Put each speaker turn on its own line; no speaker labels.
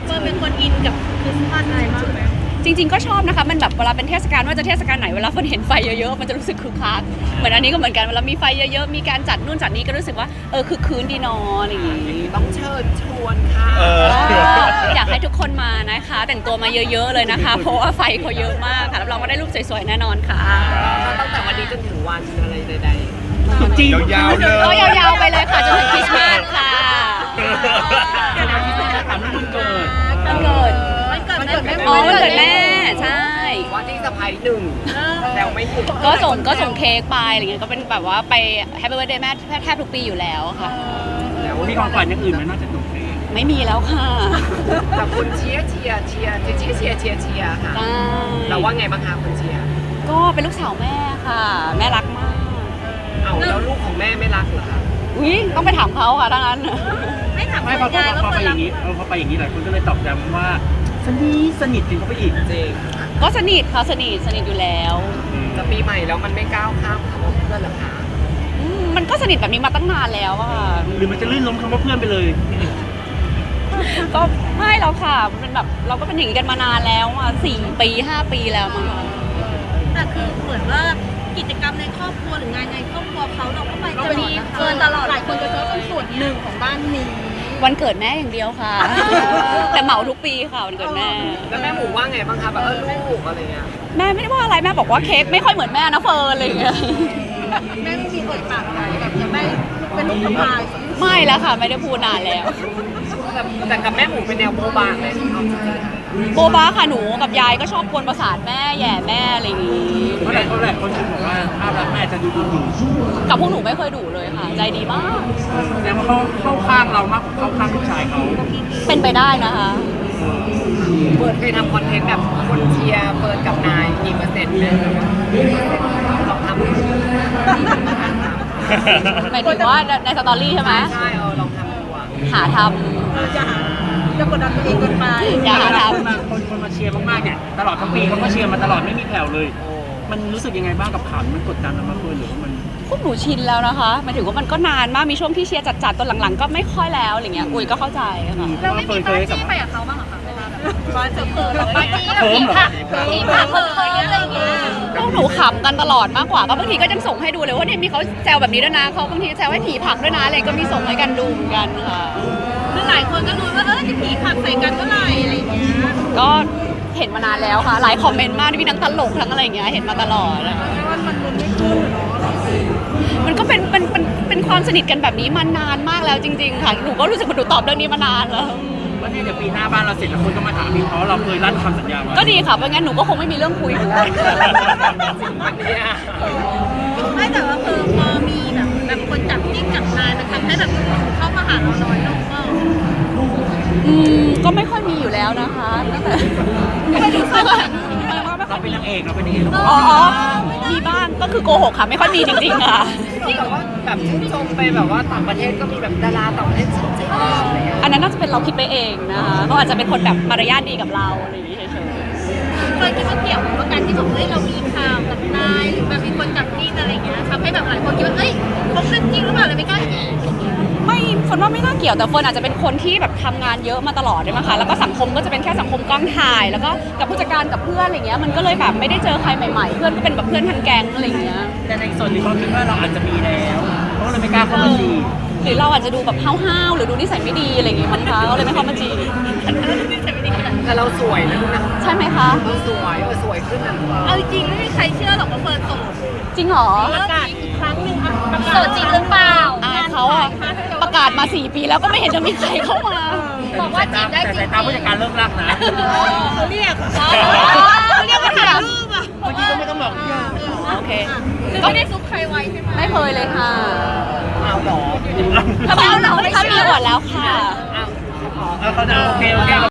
เฟิร์นเป็นคนอินกับคริสต์มาสอะไรมากไหม
จริงๆก็ชอบนะคะมันแบบเวลาเป็นเทศกาลว่าจะเทศกาลไหนเวลาคนเห็นไฟเยอะๆมันจะรู้สึกคึกคักเหมือนอันนี้ก็เหมือนกันเวลามีไฟเยอะๆมีการจัดนู่นจัดนี้ก็รู้สึกว่าคือคืนดีนอนอย่างงี้
ต้องเชิญชวนค่ะ
อยากให้ทุกคนมานะคะแต่งตัวมาเยอะๆเลยนะคะเพราะว่าไฟเขาเยอะมากค่ะรับรองว่าได้รูปสวยๆแน่นอนค่ะ
ตั้งแต่วันนี้จนถึงวันอะไรใด
จริงยาวๆเลย
ก็ยาวๆไปเลยค่ะจนถึงคริสต์มาสค่ะ
ถามเรื่องวันเกิด
วันเกิด
วันเกิดแม่
อ๋อวันเกิดแม่ใช่
ๆว่าที่สะพายหนึ่งแล้วไม่หยุด
ก็ส่งเค้กไปอะไรเงี้ยก็เป็นแบบว่าไปแฮปปี้เบิร์ธเดย์แม่แทบทุกปีอยู่แล้วค่ะ
แล้ว
มีของขวัญอย่างอื่นไหมนอกจากหนุ่มเพลง
ไม่มีแล้วค่ะ
แต่คนเชียร์ค่ะ
ใช่
เราว่าไงบ้างคะคนเชียร์
ก็เป็นลูกสาวแม่ค่ะ แม่รักมาก
เอาแล้วลูกของแม่ไม่รักเหรอคะ
อุ้ยต้องไปถามเขาค่ะถ้างั้น
ไม่ถาม
ไม่พอไปอย่างนี้พอไปอย่างนี้หลายคนก็เลยตอบย้ำว่าสนิทจริงเขาไปอีก
จริง
ก็สนิทค่ะสนิทอยู่แล้ว
จะปีใหม่แล้วมันไม่ก้าวข้ามคำว่าเพื่อนเหรอคะ
มันก็สนิทแบบนี้มาตั้งนานแล้วอะค่ะ
หรือมันจะลื่นล้มคำว่าเพื่อนไปเลย
ก็ไม่แล้วค่ะมันเป็นแบบเราก็เป็นอย่างนี้กันมานานแล้วอะ4 ปี 5 ปีแล้วมั้งคะ
แต่คือเหมือนว่ากิจกรรมในครอบครัวหรืองานในครอบครัวเขาเราก็ไปตลอดเฟิร์นตลอดหลายคนจะเจอเป็นส่วนหนึ่งของบ้านนี้
วันเกิดแม่อย่างเดียวค่ะ แต่เหมาทุกปีค่ะวันเกิดแม่
แล้วแม่หมูว่าไงบ้างคะแบบลูกอะไรเงี้ย
แม่ไม่ได้ว่าอะไรแม่บอกว่าเค้กไม่ค่อยเหมือนแม่นะเฟิร์นอะไรอย่างเงี้ย
แม่ไม่มีเอ่ยปากอะไรแบบจะไม่เป็นลูกสะพาย
ไม่แล้วค่ะไม่ได้พูดนานแล้ว
แต่กับแม่หมูเป็นแนวโบบางเลยเอาจริงๆ
โบบ้าค่ะหนูกับยายก็ชอบกวนประสาทแม่แย่แม่อะไรอย่างงี้
เพราะหลายคนคิดบอกว่าภาพลักษณ์แม่จะดูดุ
กับพวกหนูไม่เคยดุเลยค่ะ ใจดีมาก
แสดงว่าเขาเข้าข้างเรามากกว่าเข้าข้างลูกชายเขา
เป็นไปได้นะคะ
เปิดเคยทำคอนเทนต์แบบคนเชียร์เปิดกับนายกี่เปอร์เซ็นต์เนี่ยลองทำดู
หมายถึงว่าในสตอรี่ใช่ไหม
ใช่ลองทำดูอ่ะ
หาท
จะกดดันตัวเองเกินไป
ำอย่าหาท
คนมาเชียร์มากๆเนี่ยตลอดทั้งปีเขาก็เชียร์มาตลอดไม่มีแผ่วเลย มันรู้สึกยังไงบ้างกับข่าวมันกดดันเรามากเลยหรือว่ามัน
ำพวกหนูชินแล้วนะคะหมายถึงว่ามันก็นานมากมีช่วงที่เชียร์จัดๆตอนหลังๆก็ไม่ค่อยแล้วอะไรเงี้ยอุ้ยก็เข้าใจค่ะ
เราไม่มีปาร์ตี้ไปกับเขาบ้างเหรอคะเวลาแบบปาร์ตี้แบบผีผักเพิ่มอะไรอย่างเงี้ย
พวกหนูขำกันตลอดมากกว่าก็บางทีก็ยังส่งให้ดูเลยว่าเนี่ยมีเขาแซวแบบนี้ด้วยนะเขาบางทีแซวให้ผีผักด้วยนะอะไรก็มีส่งให้กันดูเหมือนกันค่ะ
คือหลายคนก็รู้ว่าจะผีผักใส่กันเมื่อไหร่อะไรอย่างเงี้ย
ก็เห็นมานานแล้วค่ะหลายคอมเมนต์มากที่มีทั้งตลกทั้งอะไรอย่างเงี้ยเห็นมาตลอดอะ
ว่ามันลุ้นไม่ขึ้นเนาะ
มันก็เป็นความสนิทกันแบบนี้มานานมากแล้วจริงๆค่ะหนูก็รู้สึกว่าหนูตอบเรื่องนี้มานานแล้ว
ว่าเนี่ยเดี๋ยวปีหน้าบ้านเราเสร็จแล้วคนก็มาถามพี่เพราะเราเคยลั่นคำสัญญาไว้
ก็ดีค่ะเพราะงั้นหนูก็คงไม่มีเรื่องคุย
วันเนี้ย
ไม่แต่ว่าคือพอมีแบบคนจับจิ้งจับนายมันทำให้แบบเข้ามาหาเราน้อยลงก็
ก็ไม่ค่อยมีอยู่แล้วนะคะตั้งแต่
ไม่รู้สึก
เราเป็นนางเอกเราเป็นนางเอก
อ๋อมีบ้างก็คือโกหกค่ะไม่ค่อยมีจริงๆค่ะ
ที่แบบว่าแบบชื่นชมไปแบบว่าต่างประเทศก็มีแบบดาราต่างประเทศชื่นชมอะไรเงี้ย
อันนั้นน่าจะเป็นเราคิดไปเองนะคะเขาอาจจะเป็นคนแบบมารยาทดีกับเราอะไรอย่างงี้เฉย
เคยคิดว่าเกี่ยวกับการที่แบบเรามีข่าวกับนายหรือแบบมีคนจับจิ้งอะไรอย่างเงี้ยทำให้แบบหลายคนคิดว่าเอ้ยเขาเป็นจริงหรือเปล่าเลยไม่กล้าแก
ๆไม่คนว่าไม่น่าเกี่ยวแต่คนอาจจะเป็นคนที่แบบทำงานเยอะมาตลอดด้วยมั้งคะแล้วก็สังคมก็จะเป็นแค่สังคมกล้องถ่ายแล้วก็กับผู้จัดการกับเพื่อนอะไรเงี้ยมันก็เลยแบบไม่ได้เจอใครใหม่ๆ เพื่อนก็เป็นแบบเพื่อนทันแก๊งอะไรเงี้ย
แต่ในส่วนที่เขาคิดว่าเราอาจจะมีแล้วเขาเลยไม่กล้าเข้ามาจี
หรือเราอาจจะดูแบบห้าวๆหรือดูนิสัยไม่ดีอะไรอย่างงี้มั้งคะก็เลยไม่เข้ามาจีบ
แต่เราสวยนะลูกนะ
ใช่ไหมคะ
สวยขึ้นนะ
เอาจริงไม่มีใครเชื่อหรอกว่าเฟิร์นโสด
จริงเหรอ
ประกาศอีกครั้งหนึ่งอ่ะโสดจริงหรือเปล่า
เขาอะประกาศมา4 ปีแล้วก็ไม่เห็นจะมีใครเข้ามา
บอกว่าจีบได้จริง
แต่สายตาผู้จัดการเลิกรักนะ
เขาเรียกเขาเรียกว่าถ่ายรูปอ่ะ
เมื่อกี้ก็ไม่ต้องบอก
โอเค
คือไม่ได้ซุกใครไว้ใช่ไหม
ไม่เคยเลยค่ะ
เอาหรอ
ถ้ามีอวดแล้วค่ะ
เอา
เขาจะโอเค